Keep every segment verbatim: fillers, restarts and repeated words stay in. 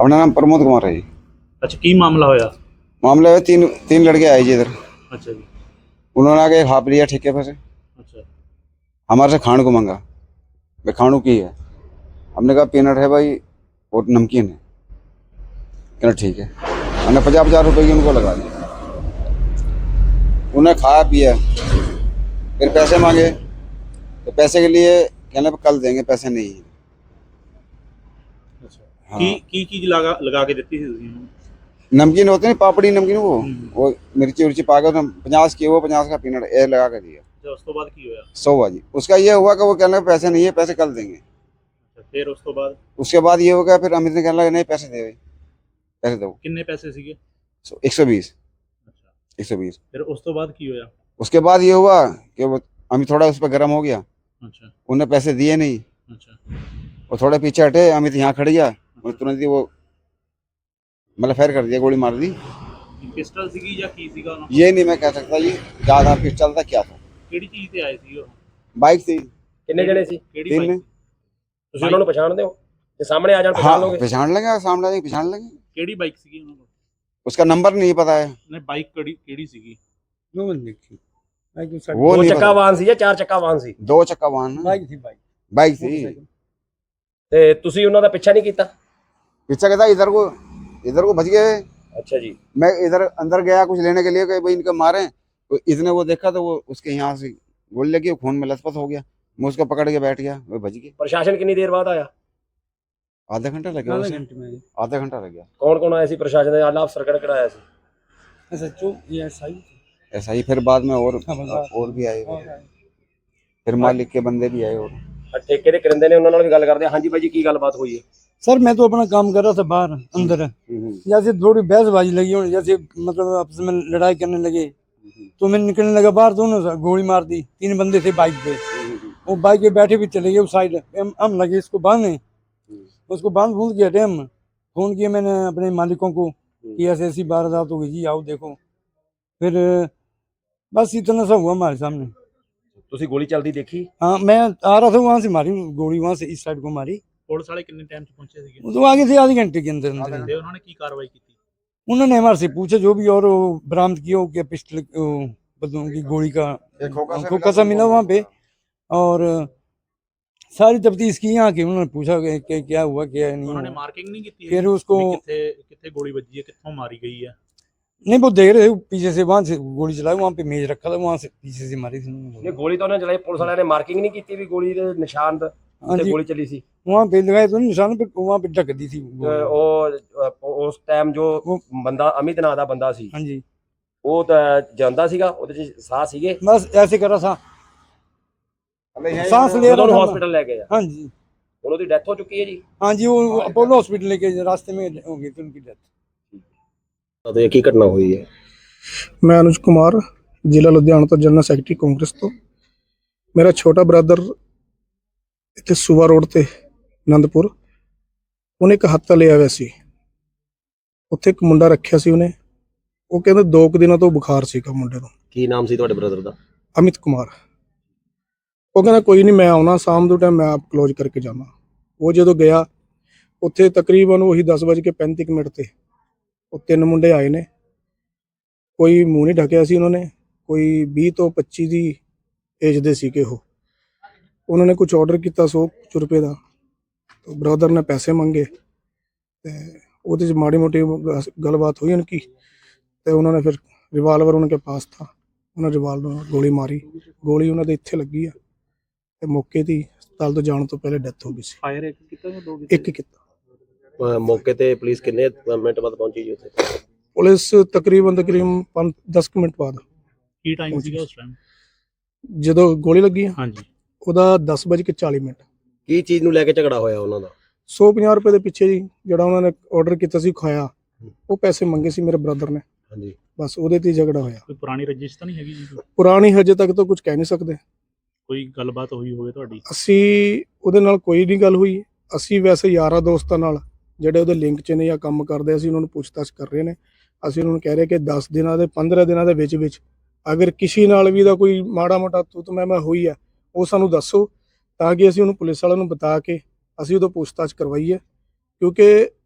अपना नाम प्रमोद कुमार है जी। अच्छा की मामला होया? मामला है तीन तीन लड़के आए जी इधर। अच्छा जी। उन्होंने आके हाफ लिया ठेके पर से, अच्छा हमारे से खाण को मांगा। भाई खाणू की है? हमने कहा पीनट है भाई और नमकीन है। कहना ठीक है। हमने पचास पचास रुपए की उनको लगा दिया। उन्हें खाया पिया, फिर पैसे मांगे तो पैसे के लिए कहने पर कल देंगे, पैसे नहीं है। अच्छा हाँ। की की चीज लगा लगा के देती थी ਤੁਸੀਂ ਉਹਨੂੰ? नमकीन होते नहीं, पापड़ी नमकीन, वो हम्म। वो मिर्ची उर्ची पा के पचास की, वो पचास का पीनट ए लगा के दिया। अच्छा उस ਤੋਂ ਬਾਅਦ ਕੀ ਹੋਇਆ? सौ बाजी उसका ये हुआ कि वो कहने लगा पैसे नहीं है, पैसे कल देंगे। ਅੱਛਾ ਫਿਰ ਉਸ ਤੋਂ ਬਾਅਦ उसके बाद ये हो गया, फिर अमित ने कहने लगा नहीं पैसे दे, पैसे दो। ਕਿੰਨੇ ਪੈਸੇ ਸੀਗੇ? एक सौ बीस ਅੱਛਾ एक सौ बीस ਫਿਰ ਉਸ ਤੋਂ ਬਾਅਦ ਕੀ ਹੋਇਆ? उसके बाद ये हुआ कि वो अमित थोड़ा उस पर गर्म हो गया, अच्छा उन्हें पैसे दिए नहीं। अच्छा और थोड़े पीछे हटे, अमित यहाँ खड़ गया और तुरंत ही वो मतलब फायर कर दिया, गोली मार दी। ਪਿਸਟਲ ਸੀਗੀ ਜਾਂ ਕੀ ਸੀਗਾ ਉਹਨਾਂ ਕੋਲ? ये नहीं मैं कह सकता जी क्या था, पिस्टल था क्या था। ਕਿਹੜੀ ਚੀਜ਼ ਤੇ ਆਏ ਸੀ ਉਹ? बाइक थी, ਕਿੰਨੇ ਜਣੇ ਸੀ? ਕਿਹੜੀ तीन ਬਾਈਕ में। ਸੀ? ਤੁਸੀਂ ਉਹਨਾਂ ਨੂੰ ਪਛਾਣਦੇ ਹੋ? ਜੇ ਸਾਹਮਣੇ ਆ ਜਾਣ हाँ ਪਛਾਣ ਲੋਗੇ? पहचान लेंगे, सामने आ जाएंगे पहचान लेंगे। ਕਿਹੜੀ ਬਾਈਕ ਸੀਗੀ ਉਹਨਾਂ ਕੋਲ? उसका नंबर नहीं पता है, ਨੇ ਬਾਈਕ ਕਿਹੜੀ ਕਿਹੜੀ ਸੀਗੀ? वो ਦੋ नहीं ਚੱਕਾ पता। ਵਾਹਨ ਸੀ ਜਾਂ ਚਾਰ ਚੱਕਾ ਵਾਹਨ ਸੀ? दो चक्का वाहन है। बाइक थी बाइक बाइक थी। ਤੇ ਤੁਸੀਂ ਉਹਨਾਂ ਦਾ ਪਿੱਛਾ नहीं ਕੀਤਾ? पीछे कहता इधर को इधर को भज गए। अच्छा जी। मैं इधर अंदर गया कुछ लेने के लिए कि भाई इनके मारे, तो इसने वो देखा तो वो उसके यहाँ से गोली लगी, खून में लथपथ हो गया। मैं उसको पकड़ के बैठ गया, वो भज गई। प्रशासन कितनी देर बाद आया? आधा घंटा लग गया आधे उसे। घंटे में आधा घंटा लग गया। कौन कौन आया सी प्रशासन ने? आला अफसर किहड़ा आया सी? ऐसा चो ये सही ऐसा ही फिर बाद में और खबरदार। और भी आए, और फिर मालिक के बंदे भी आए। और ਆ ਠੇਕੇ ਦੇ ਕਰਿੰਦੇ ਨੇ ਉਹਨਾਂ ਨਾਲ ਵੀ ਗੱਲ ਕਰਦੇ ਹਾਂ। ਹਾਂਜੀ ਬਾਈ ਜੀ ਕੀ ਗੱਲਬਾਤ ਹੋਈ ਹੈ? सर मैं तो अपना काम कर रहा था बाहर अंदर, जैसे थोड़ी बहसबाजी लगी और जैसे मतलब आपस में लड़ाई करने लगे तो मैं निकलने लगा बाहर, दोनों से गोली मार दी। तीन बंदे थे बाइक पे, वो बाइक पे बैठे भी चले गए उस साइड। हम हम लगे इसको बांधने, उसको बांध भूल के हटे हम। फोन किया मैंने अपने मालिकों को कि ऐसे ऐसी वारदात हो गई जी, आओ देखो। फिर बस इतना सा हुआ हमारे सामने। ਤੁਸੀਂ ਗੋਲੀ ਚੱਲਦੀ ਦੇਖੀ? हाँ मैं आ रहा था वहाँ से मारी गोली, वहाँ से इस साइड को मारी। ਪੁਲਿਸ ਵਾਲੇ ਕਿੰਨੇ ਟਾਈਮ 'ਚ ਪਹੁੰਚੇ ਸੀਗੇ? वो तो आगे थे आधे घंटे के अंदर अंदर। ਤੇ ਉਹਨਾਂ ਨੇ ਕੀ ਕਾਰਵਾਈ ਕੀਤੀ? उन्होंने हमारे से पूछा जो भी, और वो बरामद किया हो क्या पिस्टल वो बंदूक की गोली का एक खोखा सा खोखा सा मिला वहाँ पे। और सारी तफ्तीश की यहाँ की, उन्होंने पूछा कि, कि क्या हुआ क्या नहीं ਉਹਨਾਂ ਨੇ हुआ। ਮਾਰਕਿੰਗ ਨਹੀਂ ਕੀਤੀ? फिर उसको ਵੀ ਕਿੱਥੇ ਕਿੱਥੇ ਗੋਲੀ ਵੱਜੀ ਹੈ, ਕਿੱਥੋਂ ਮਾਰੀ ਗਈ ਹੈ? नहीं वो देख रहे थे पीछे से, वहाँ से गोली चलाई, वहाँ पे मेज रखा था, वहाँ से पीछे से मारी थी उन्होंने। ਨਹੀਂ ਗੋਲੀ ਤਾਂ ਉਹਨੇ ਚਲਾਈ, ਪੁਲਿਸ ਵਾਲਿਆਂ ਨੇ ਮਾਰਕਿੰਗ ਨਹੀਂ ਕੀਤੀ ਵੀ ਗੋਲੀ ਦੇ ਨਿਸ਼ਾਨ ਤੇ हाँ जी, ਗੋਲੀ ਚੱਲੀ ਸੀ? वहाँ पे लगाए तो निशान पे, वहाँ पे ढक दी थी ਤੇ गोली। ਉਹ ਅ, ਉਸ ਟਾਈਮ ਜੋ ਉਹ- ਬੰਦਾ ਅਮਿਤ ਨਾਂ ਦਾ ਬੰਦਾ ਸੀ हाँ जी ਉਹ ਤਾਂ ਜਾਂਦਾ ਸੀਗਾ, ਉਹਦੇ ਚ ਸਾਹ ਸੀਗੇ? बस ऐसे कर रहा था, सांस ले ਜਦੋਂ रहा ਉਹਨੂੰ था। ਹਸਪੀਟਲ ਲੈ ਗਏ ਆ, हाँ जी ਹੁਣ ਉਹਦੀ ਡੈਥ ਹੋ ਚੁੱਕੀ ਹੈ ਜੀ? हाँ जी, वो अपोलो हॉस्पिटल लेके रास्ते में हो गई थी उनकी डेथ। ਤੇ ਕੀ ਘਟਨਾ ਹੋਈ ਹੈ? ਮੈਂ ਅਨੁਜ ਕੁਮਾਰ, ਜ਼ਿਲ੍ਹਾ ਲੁਧਿਆਣਾ ਤੋਂ ਜਨਰਲ ਸੈਕਟਰੀ ਕਾਂਗਰਸ ਤੋਂ। ਮੇਰਾ ਛੋਟਾ ਬ੍ਰਦਰ ਇੱਥੇ ਸੂਬਾ ਰੋਡ ਤੇ ਆਨੰਦਪੁਰ, ਉਹਨੇ ਇੱਕ ਹੱਥਾ ਲਿਆ ਹੋਇਆ ਸੀ। ਉੱਥੇ ਇੱਕ ਮੁੰਡਾ ਰੱਖਿਆ ਸੀ ਉਹਨੇ, ਉਹ ਕਹਿੰਦਾ ਦੋ ਕੁ ਦਿਨਾਂ ਤੋਂ ਬੁਖਾਰ ਸੀਗਾ ਮੁੰਡੇ ਨੂੰ। ਕੀ ਨਾਮ ਸੀ ਤੁਹਾਡੇ ਬ੍ਰਦਰ ਦਾ? ਅਮਿਤ ਕੁਮਾਰ। ਉਹ ਕਹਿੰਦਾ ਕੋਈ ਨਹੀਂ ਮੈਂ ਆਉਣਾ ਸ਼ਾਮ ਦੇ ਟਾਈਮ, ਮੈਂ ਆਪ ਕਲੋਜ਼ ਕਰਕੇ ਜਾਣਾ। ਉਹ ਜਦੋਂ ਗਿਆ ਉੱਥੇ ਤਕਰੀਬਨ ਉਹੀ ਦਸ ਵੱਜ ਕੇ ਪੈਂਤੀ ਕੁ ਮਿੰਟ ਤੇ ਉਹ ਤਿੰਨ ਮੁੰਡੇ ਆਏ ਨੇ। ਕੋਈ ਮੂੰਹ ਨਹੀਂ ਢੱਕਿਆ ਸੀ ਉਹਨਾਂ ਨੇ, ਕੋਈ ਵੀਹ ਤੋਂ ਪੱਚੀ ਦੀ ਏਜ ਦੇ ਸੀਗੇ ਉਹ। ਉਹਨਾਂ ਨੇ ਕੁਝ ਆਰਡਰ ਕੀਤਾ ਸੌ ਕੁ ਰੁਪਏ ਦਾ, ਤਾਂ ਬ੍ਰਦਰ ਨੇ ਪੈਸੇ ਮੰਗੇ ਤੇ ਉਹਦੇ 'ਚ ਮਾੜੀ ਮੋਟੀ ਗ- ਗੱਲਬਾਤ ਹੋਈ ਉਨਕੀ, ਤੇ ਉਹਨਾਂ ਨੇ ਫਿਰ ਰਿਵਾਲਵਰ ਉਹਨਾਂ ਕੇ ਪਾਸ ਥਾ, ਉਹਨਾਂ ਰਿਵਾਲਵਰ ਨਾਲ ਗੋਲੀ ਮਾਰੀ। ਗੋਲੀ ਉਹਨਾਂ ਦੇ ਇੱਥੇ ਲੱਗੀ ਆ ਤੇ ਮੌਕੇ ਦੀ ਹਸਪਤਾਲ ਤੋਂ ਜਾਣ ਤੋਂ ਪਹਿਲੇ ਡੈਥ ਹੋ ਗਈ ਸੀ। ਫਾਇਰ ਇੱਕ ਕੀਤਾ ਜਾਂ ਦੋ ਇੱਕ ਕੀਤਾ। ਅ, ਮੌਕੇ ਤੇ ਪੁਲਿਸ ਕਿੰਨੇ ਮਿੰਟ ਬਾਅਦ ਪਹੁੰਚੀ ਜੀ ਉੱਥੇ? ਪੁਲਿਸ ਤਕਰੀਬਨ ਤਕਰੀਬਨ ਪੰਜ ਦਸ ਕੁ ਮਿੰਟ ਬਾਅਦ, ਕੀ ਟਾਈਮ ਸੀਗਾ ਉਸ ਟਾਈਮ? ਜਦੋਂ ਗੋਲੀ ਲੱਗੀ ਆ, ਹਾਂਜੀ ਉਹਦਾ ਦਸ ਵੱਜ ਕੇ ਚਾਲੀ ਮਿੰਟ। ਕੀ ਚੀਜ਼ ਨੂੰ ਲੈ ਕੇ ਝਗੜਾ ਹੋਇਆ ਉਹਨਾਂ ਦਾ? ਸੌ ਪੰਜਾਹ ਰੁਪਏ ਦੇ ਪਿੱਛੇ ਜੀ, ਜਿਹੜਾ ਉਹਨਾਂ ਨੇ ਆਰਡਰ ਕੀਤਾ ਸੀ ਖਾਇਆ, ਉਹ ਪੈਸੇ ਮੰਗੇ ਸੀ ਮੇਰੇ ਬ੍ਰਦਰ ਨੇ, ਹਾਂਜੀ। ਬਸ ਉਹਦੇ ਤੇ ਹੀ ਝਗੜਾ ਹੋਇਆ। ਕੋਈ ਪੁਰਾਣੀ ਰੰਜਿਸ਼ ਤਾਂ ਨਹੀਂ ਹੈਗੀ ਜੀ? ਪੁਰਾਣੀ ਹਜੇ ਤੱਕ ਤਾਂ ਕੁਝ ਕਹਿ ਨਹੀਂ ਸਕਦੇ। ਕੋਈ ਗੱਲਬਾਤ ਹੋਈ ਹੋਵੇ ਤੁਹਾਡੀ? ਅਸੀਂ ਉਹਦੇ ਨਾਲ ਕੋਈ ਨਹੀਂ ਗੱਲ ਹੋਈ। ਅਸੀਂ ਵੈਸੇ ਯਾਰਾਂ ਦੋਸਤਾਂ ਨਾਲ ਜਿਹੜੇ ਉਹਦੇ ਲਿੰਕ 'ਚ ਨੇ ਜਾਂ ਕੰਮ ਕਰਦੇ, ਅਸੀਂ ਉਹਨਾਂ ਨੂੰ ਪੁੱਛਤਾਛ ਕਰ ਰਹੇ ਨੇ। ਅਸੀਂ ਉਹਨਾਂ ਨੂੰ ਕਹਿ ਰਹੇ ਕਿ ਦਸ ਦਿਨਾਂ ਦੇ ਪੰਦਰਾਂ ਦਿਨਾਂ ਦੇ ਵਿੱਚ ਵਿੱਚ ਅਗਰ ਕਿਸੇ ਨਾਲ ਵੀ ਦਾ ਕੋਈ ਮਾੜਾ ਮੋਟਾ ਤੂੰ ਤੂੰ ਮੈਂ ਮੈਂ ਹੋਈ ਹੈ, ਉਹ ਸਾਨੂੰ ਦੱਸੋ, ਤਾਂ ਕਿ ਅਸੀਂ ਉਹਨੂੰ ਪੁਲਿਸ ਵਾਲਿਆਂ ਨੂੰ ਬਤਾ ਕੇ ਅਸੀਂ ਉਹਦਾ ਪੁੱਛਤਾਛ ਕਰਵਾਈਏ। ਕਿਉਂਕਿ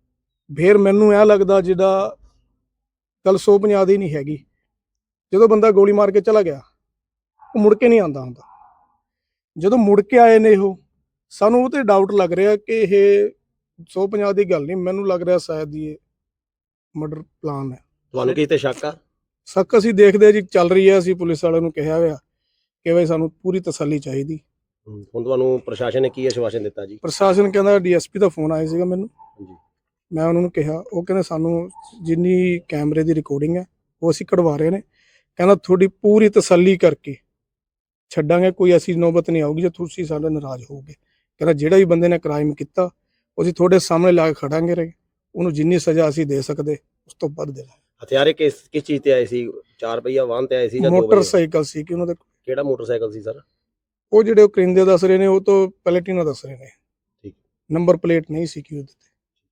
ਫਿਰ ਮੈਨੂੰ ਇਹ ਲੱਗਦਾ ਜਿਹੜਾ ਗੱਲ ਸੌ ਪੰਜਾਹ ਦੀ ਨਹੀਂ ਹੈਗੀ। ਜਦੋਂ ਬੰਦਾ ਗੋਲੀ ਮਾਰ ਕੇ ਚਲਾ ਗਿਆ ਉਹ ਮੁੜ ਕੇ ਨਹੀਂ ਆਉਂਦਾ ਹੁੰਦਾ। ਜਦੋਂ ਮੁੜ ਕੇ ਆਏ ਨੇ ਉਹ, ਸਾਨੂੰ ਉਹ ਤੇ ਡਾਊਟ ਲੱਗ ਰਿਹਾ ਕਿ ਇਹ ਸੌ ਪੰਜਾਹ ਦੀ ਗੱਲ ਨਹੀਂ, ਮੈਨੂੰ ਲੱਗ ਰਿਹਾ ਸ਼ਾਇਦ ਇਹ ਮਰਡਰ ਪਲਾਨ ਹੈ। ਤੁਹਾਨੂੰ ਕਿਸੇ ਤੇ ਸ਼ੱਕ ਆ? ਸ਼ੱਕ ਅਸੀਂ ਦੇਖਦੇ ਜੀ ਚੱਲ ਰਹੀ ਹੈ। ਅਸੀਂ ਪੁਲਿਸ ਵਾਲਿਆਂ ਨੂੰ ਕਿਹਾ ਹੋਇਆ ਕਿ ਬਈ ਸਾਨੂੰ ਪੂਰੀ ਤਸੱਲੀ ਚਾਹੀਦੀ। ਹੁਣ ਤੁਹਾਨੂੰ ਪ੍ਰਸ਼ਾਸਨ ਨੇ ਕੀ ਆਸ਼ਵਾਸਨ ਦਿੱਤਾ ਜੀ? ਪ੍ਰਸ਼ਾਸਨ ਕਹਿੰਦਾ ਡੀਐਸਪੀ ਦਾ ਫੋਨ ਆਇਆ ਸੀਗਾ ਮੈਨੂੰ, ਹਾਂਜੀ। ਮੈਂ ਉਹਨਾਂ ਨੂੰ ਕਿਹਾ, ਉਹ ਕਹਿੰਦੇ ਸਾਨੂੰ ਜਿੰਨੀ ਕੈਮਰੇ ਦੀ ਰਿਕਾਰਡਿੰਗ ਹੈ ਉਹ ਅਸੀਂ ਕਢਵਾ ਰਹੇ ਨੇ। ਕਹਿੰਦਾ ਤੁਹਾਡੀ ਪੂਰੀ ਤਸੱਲੀ ਕਰਕੇ ਛੱਡਾਂਗੇ, ਕੋਈ ਐਸੀ ਨੌਬਤ ਨਹੀਂ ਆਊਗੀ ਜੇ ਤੁਸੀਂ ਸਾਡੇ ਨਾਰਾਜ਼ ਹੋਵੋਗੇ। ਕਹਿੰਦਾ ਜਿਹੜਾ ਵੀ ਬੰਦੇ ਨੇ ਕ੍ਰਾਈਮ ਕੀਤਾ ਉਹ ਅਸੀਂ ਤੁਹਾਡੇ ਸਾਹਮਣੇ ਲਾ ਕੇ ਖੜਾਂਗੇ ਰਹੇ, ਉਹਨੂੰ ਜਿੰਨੀ ਸਜ਼ਾ ਅਸੀਂ ਦੇ ਸਕਦੇ ਉਸ ਤੋਂ ਵੱਧ ਦੇ ਦਾਂਗੇ। ਹਥਿਆਰੇ ਕਿਸ ਕਿਸ ਚੀਜ਼ ਤੇ ਆਏ ਸੀ? ਚਾਰ ਪਹੀਆ ਵਾਹਨ ਤੇ ਆਏ ਸੀ ਜਾਂ ਦੋ ਪਹੀਆ? ਮੋਟਰਸਾਈਕਲ ਸੀ ਕਿ ਉਹਨਾਂ ਦਾ। ਕਿਹੜਾ ਮੋਟਰਸਾਈਕਲ ਸੀ ਸਰ? ਉਹ ਜਿਹੜੇ ਉਹ ਕਰਿੰਦੇ ਦੱਸ ਰਹੇ ਨੇ ਉਹ ਤੋਂ ਪਲੇਟਿਨਾ ਦੱਸ ਰਹੇ ਨੇ, ਠੀਕ। ਨੰਬਰ ਪਲੇਟ ਨਹੀਂ ਸੀ ਕਿ ਉਹਦੇ ਤੇ।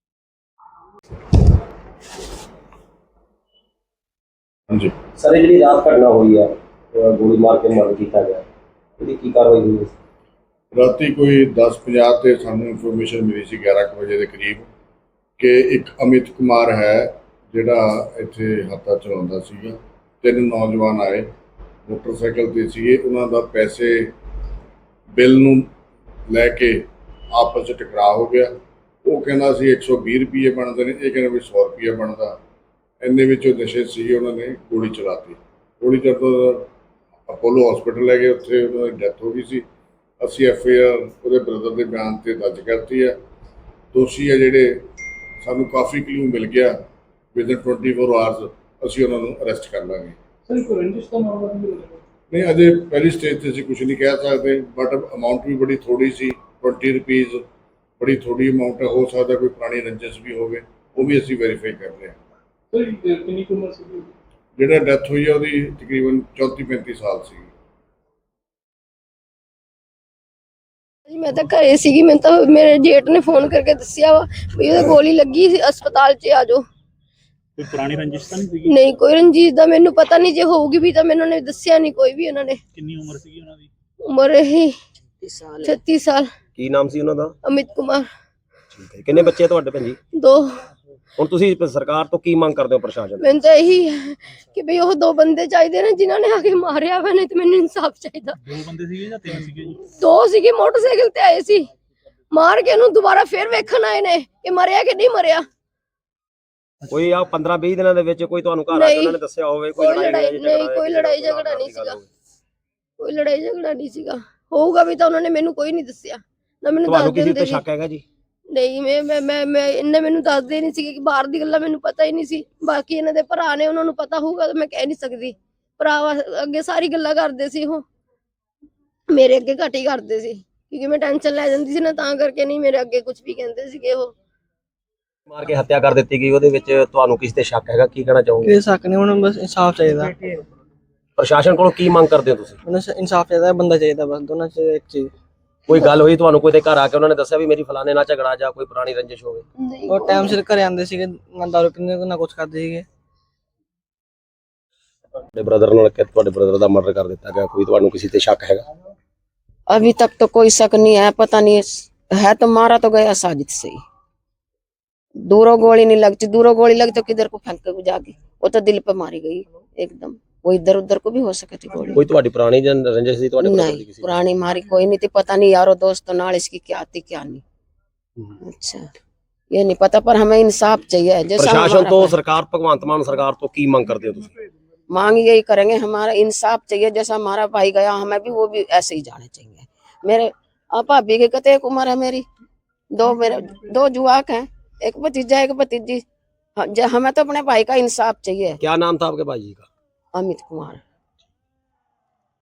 ਹਾਂਜੀ ਸਰ, ਇਹ ਜਿਹੜੀ ਰਾਤ ਘਟਨਾ ਹੋਈ ਹੈ, ਅਹ ਗੋਲੀ ਮਾਰ ਕੇ ਮਰਡਰ ਕੀਤਾ ਗਿਆ, ਇਹਦੀ ਕੀ ਕਾਰਵਾਈ ਹੋਈ ਹੈ? ਰਾਤੀ ਕੋਈ ਦਸ ਪੰਜਾਹ ਤੇ ਸਾਨੂੰ ਇਨਫੋਰਮੇਸ਼ਨ ਮਿਲੀ ਸੀ ਗਿਆਰਾਂ ਕੁ ਵਜੇ ਦੇ ਕਰੀਬ ਕਿ ਇੱਕ ਅਮਿਤ ਕੁਮਾਰ ਹੈ ਜਿਹੜਾ ਇੱਥੇ ਹੱਥਾ ਚਲਾਉਂਦਾ ਸੀਗਾ। ਤਿੰਨ ਨੌਜਵਾਨ ਆਏ, ਮੋਟਰਸਾਈਕਲ ਤੇ ਸੀਗੇ। ਉਹਨਾਂ ਦਾ ਪੈਸੇ ਬਿੱਲ ਨੂੰ ਲੈ ਕੇ ਆਪਸ 'ਚ ਟਕਰਾਅ ਹੋ ਗਿਆ। ਉਹ ਕਹਿੰਦਾ ਸੀ ਇੱਕ ਸੌ ਵੀਹ ਰੁਪਏ ਬਣਦੇ ਨੇ, ਇਹ ਕਹਿੰਦਾ ਵੀ ਸੌ ਰੁਪਏ ਬਣਦਾ। ਇੰਨੇ ਵਿੱਚ ਉਹ ਨਸ਼ੇ ਸੀਗੇ, ਉਹਨਾਂ ਨੇ ਗੋਲੀ ਚਲਾਤੀ। ਗੋਲੀ ਚੱਲਦਾ ਅਪੋਲੋ ਹਸਪੀਟਲ ਲੈ ਗਏ, ਉੱਥੇ ਉਹਨਾਂ ਦੀ ਡੈਥ ਹੋ ਗਈ ਸੀ। ਅਸੀਂ ਐਫ ਆਈ ਆਰ ਉਹਦੇ ਬ੍ਰਦਰ ਦੇ ਬਿਆਨ ਤੇ ਦਰਜ ਕਰਤੀ ਹੈ। ਦੋਸ਼ੀ ਹੈ ਜਿਹੜੇ, ਸਾਨੂੰ ਕਾਫੀ ਕਲੂ ਮਿਲ ਗਿਆ, ਵਿਦਨ ਟਵੈਂਟੀ ਫੋਰ ਆਵਰਸ ਅਸੀਂ ਉਹਨਾਂ ਨੂੰ ਅਰੈਸਟ ਕਰ ਲਾਂਗੇ। ਨਹੀਂ, ਅਜੇ ਪਹਿਲੀ ਸਟੇਜ ਤੇ ਅਸੀਂ ਕੁਝ ਨਹੀਂ ਕਹਿ ਸਕਦੇ, ਬਟ ਅਮਾਊਂਟ ਵੀ ਬੜੀ ਥੋੜੀ ਸੀ, ਟਵੈਂਟੀ ਰੁਪੀਜ਼ ਬੜੀ ਥੋੜੀ ਅਮਾਊਂਟ ਹੈ। ਹੋ ਸਕਦਾ ਕੋਈ ਪੁਰਾਣੀ ਰੰਜਿਸ਼ ਵੀ ਹੋਵੇ, ਉਹ ਵੀ ਅਸੀਂ ਵੈਰੀਫਾਈ ਕਰ ਰਹੇ ਹਾਂ। ਜਿਹੜਾ ਡੈਥ ਹੋਈ ਹੈ ਉਹਦੀ ਤਕਰੀਬਨ ਚੌਂਤੀ ਪੈਂਤੀ ਸਾਲ ਸੀ। ਜੀ ਮੈਂ ਤਾਂ ਘਰੇ ਸੀਗੀ, ਮੈਨੂੰ ਤਾਂ ਮੇਰੇ ਜੇਠ ਨੇ ਫੋਨ ਕਰਕੇ ਦੱਸਿਆ ਵਾ ਵੀ ਉਹਦੇ ਗੋਲੀ ਲੱਗੀ ਸੀ, ਹਸਪਤਾਲ 'ਚ ਆ ਜਾਓ। ਕੋਈ ਪੁਰਾਣੀ ਰੰਜਿਸ਼ ਤਾਂ ਨਹੀਂ ਸੀਗੀ? ਨਹੀਂ, ਕੋਈ ਰੰਜੀਤ ਦਾ ਮੈਨੂੰ ਪਤਾ ਨਹੀਂ, ਜੇ ਹੋਊਗੀ ਵੀ ਤਾਂ ਮੈਨੂੰ ਨੇ ਦੱਸਿਆ ਨਹੀਂ ਕੋਈ ਵੀ। ਉਹਨਾਂ ਨੇ ਕਿੰਨੀ ਉਮਰ ਸੀਗੀ ਉਹਨਾਂ ਦੀ? ਉਮਰ ਇਹੀ ਛੱਤੀ ਸਾਲ। ਕੀ ਨਾਮ ਸੀ ਉਹਨਾਂ ਦਾ? ਅਮਿਤ ਕੁਮਾਰ। ਠੀਕ ਹੈ। ਕਿੰਨੇ ਬੱਚੇ ਤੁਹਾਡੇ ਭੈਣ ਜੀ? ਦੋ। ਹੁਣ ਤੁਸੀਂ ਸਰਕਾਰ ਤੋਂ ਕੀ ਮੰਗ ਕਰਦੇ ਹੋ, ਪ੍ਰਸ਼ਾਸਨ? ਮੈਨੂੰ ਤਾਂ ਇਹੀ ਹੈ ਕਿ ਵੀ ਉਹ ਦੋ ਬੰਦੇ ਚਾਹੀਦੇ ਨੇ ਜਿਨ੍ਹਾਂ ਨੇ ਆ ਕੇ ਮਾਰਿਆ ਵਾ, ਨਹੀਂ ਤੇ ਮੈਨੂੰ ਇਨਸਾਫ ਚਾਹੀਦਾ। ਦੋ ਬੰਦੇ ਸੀਗੇ ਜਾਂ ਤਿੰਨ ਸੀਗੇ ਜੀ? ਦੋ ਸੀਗੇ, ਮੋਟਰਸਾਈਕਲ ਤੇ ਆਏ ਸੀ, ਮਾਰ ਕੇ ਉਹਨੂੰ ਦੁਬਾਰਾ ਫੇਰ ਵੇਖਣ ਆਏ ਨੇ ਕਿ ਮਰਿਆ ਕਿ ਨਹੀਂ ਮਰਿਆ। ਕੋਈ ਆ ਪੰਦਰਾਂ ਵੀਹ ਦਿਨਾਂ ਦੇ ਵਿੱਚ ਕੋਈ ਤੁਹਾਨੂੰ ਘਰ ਆ ਕੇ ਉਹਨਾਂ ਨੇ ਦੱਸਿਆ ਹੋਵੇ ਕੋਈ ਕੋਈ ਲੜਾਈ ਲੜਾਈ ਝਗੜਾ ਨਹੀਂ, ਹੈ, ਕੋਈ ਕਿਸੇ ਲੜਾਈ ਨਾਲ ਝਗੜਾ ਨਹੀਂ ਦੀ ਗੱਲ ਸੀਗਾ, ਹੋਵੇ? ਕੋਈ ਲੜਾਈ ਝਗੜਾ ਨਹੀਂ ਸੀਗਾ। ਹੋਊਗਾ ਵੀ ਤਾਂ ਉਹਨਾਂ ਨੇ ਮੈਨੂੰ ਕੋਈ ਨਹੀਂ ਦੱਸਿਆ, ਨਾ ਮੈਨੂੰ ਦੱਸ ਤੁਹਾਨੂੰ ਕਿਸੇ ਦਿੰਦੇ ਤੇ ਸੀ। ਸ਼ੱਕ ਹੈਗਾ ਜੀ? ਨਹੀਂ, ਮੈਂ ਮੈਂ ਮੈਂ ਮੈਂ ਇਹਨੇ ਮੈਨੂੰ ਦੱਸਦੇ ਨਹੀਂ ਸੀ ਕਿ ਬਾਹਰ ਦੀ ਗੱਲਾਂ ਮੈਨੂੰ ਪਤਾ ਹੀ ਨਹੀਂ ਸੀ। ਬਾਕੀ ਇਹਨਾਂ ਦੇ ਭਰਾ ਨੇ, ਉਹਨਾਂ ਨੂੰ ਪਤਾ ਹੋਊਗਾ ਤਾਂ ਮੈਂ ਕਹਿ ਨਹੀਂ ਸਕਦੀ। ਭਰਾ ਅੱਗੇ ਸਾਰੀ ਗੱਲਾਂ ਕਰਦੇ ਸੀ, ਉਹ ਮੇਰੇ ਅੱਗੇ ਘੱਟ ਹੀ ਕਰਦੇ ਸੀ ਕਿਉਂਕਿ ਮੈਂ ਟੈਨਸ਼ਨ ਲੈ ਜਾਂਦੀ ਸੀ ਨਾ, ਤਾਂ ਕਰਕੇ ਨਹੀਂ ਮੇਰੇ ਅੱਗੇ ਕੁਝ ਵੀ ਕਹਿੰਦੇ ਸੀਗੇ। ਉਹ ਮਾਰ ਕੇ ਹੱਤਿਆ ਕਰ ਦਿੱਤੀ ਗਈ, ਉਹਦੇ ਵਿੱਚ ਤੁਹਾਨੂੰ ਕਿਸੇ ਤੇ ਸ਼ੱਕ ਹੈਗਾ? ਕੀ ਕਹਿਣਾ ਚਾਹੋਗੇ? ਕੋਈ ਸ਼ੱਕ ਨਹੀਂ, ਹੁਣ ਬਸ ਇਨਸਾਫ ਚਾਹੀਦਾ। ਪ੍ਰਸ਼ਾਸਨ ਕੋਲੋਂ ਕੀ ਮੰਗ ਕਰਦੇ ਹੋ ਤੁਸੀਂ? ਉਹਨਾਂ ਇਨਸਾਫ ਚਾਹੀਦਾ, ਬੰਦਾ ਚਾਹੀਦਾ, ਬਸ ਦੋਨਾਂ ਚ ਇੱਕ ਚੀਜ਼। ਕੋਈ ਗੱਲ ਹੋਈ ਤੁਹਾਨੂੰ, ਕੋਈ ਤੇ ਘਰ ਆ ਕੇ ਉਹਨਾਂ ਨੇ ਦੱਸਿਆ ਵੀ ਮੇਰੀ ਫਲਾਣੇ ਨਾਲ ਝਗੜਾ ਜਾਂ ਕੋਈ ਪੁਰਾਣੀ ਰੰਜਿਸ਼ ਹੋਵੇ? ਨਹੀਂ, ਉਹ ਟਾਈਮ ਸਿਰ ਘਰੇ ਆਉਂਦੇ ਸੀਗੇ, ਨਾ ਦਾਰੂ ਪੀਂਦੇ ਨਾ ਕੁਝ ਕਰਦੇ ਸੀਗੇ। ਤੁਹਾਡੇ ਬ੍ਰਦਰ ਨਾਲ ਕਿ ਤੁਹਾਡੇ ਬ੍ਰਦਰ ਦਾ ਮਰਡਰ ਕਰ ਦਿੱਤਾ ਗਿਆ, ਕੋਈ ਤੁਹਾਨੂੰ ਕਿਸੇ ਤੇ ਸ਼ੱਕ ਹੈਗਾ? अभी तक तो कोई शक नहीं है, पता नहीं है तो मारा तो गया साजिद से ही। दूरों गोली नहीं लगती, दूरों गोली लगी तो किधर को फेंक के जाके, वो तो दिल पे मारी गई एकदम। वो इधर उधर को भी हो सके थी गोली। ਕੋਈ ਤੁਹਾਡੀ ਪੁਰਾਣੀ ਜਨ ਰੰਜਿਸ਼ ਸੀ ਤੁਹਾਡੇ brother ਦੀ नहीं, ਕਿਸੇ? पुरानी मारी कोई नहीं थी, पता नहीं यारो दोस्तों नाल इसकी क्या थी क्या नहीं। अच्छा, ये नहीं पता, पर हमें इंसाफ चाहिए। जैसा ਪ੍ਰਸ਼ਾਸਨ हमारा ਤੋਂ, भाई- ਸਰਕਾਰ भगवंत मान सरकार तो की मांग करते हो ਤੁਸੀਂ? मांग यही करेंगे, हमारा इंसाफ चाहिए। जैसा हमारा भाई गया, हमें भी वो भी ऐसे ही जाने चाहिए। मेरे आप भाभी की कते एक उम्र है मेरी, दो मेरे दो जुआक हैं, एक भतीजा एक भतीजी। ह- ज- हमें तो अपने भाई का इंसाफ चाहिए। क्या नाम था आपके भाई जी का? अमित कुमार।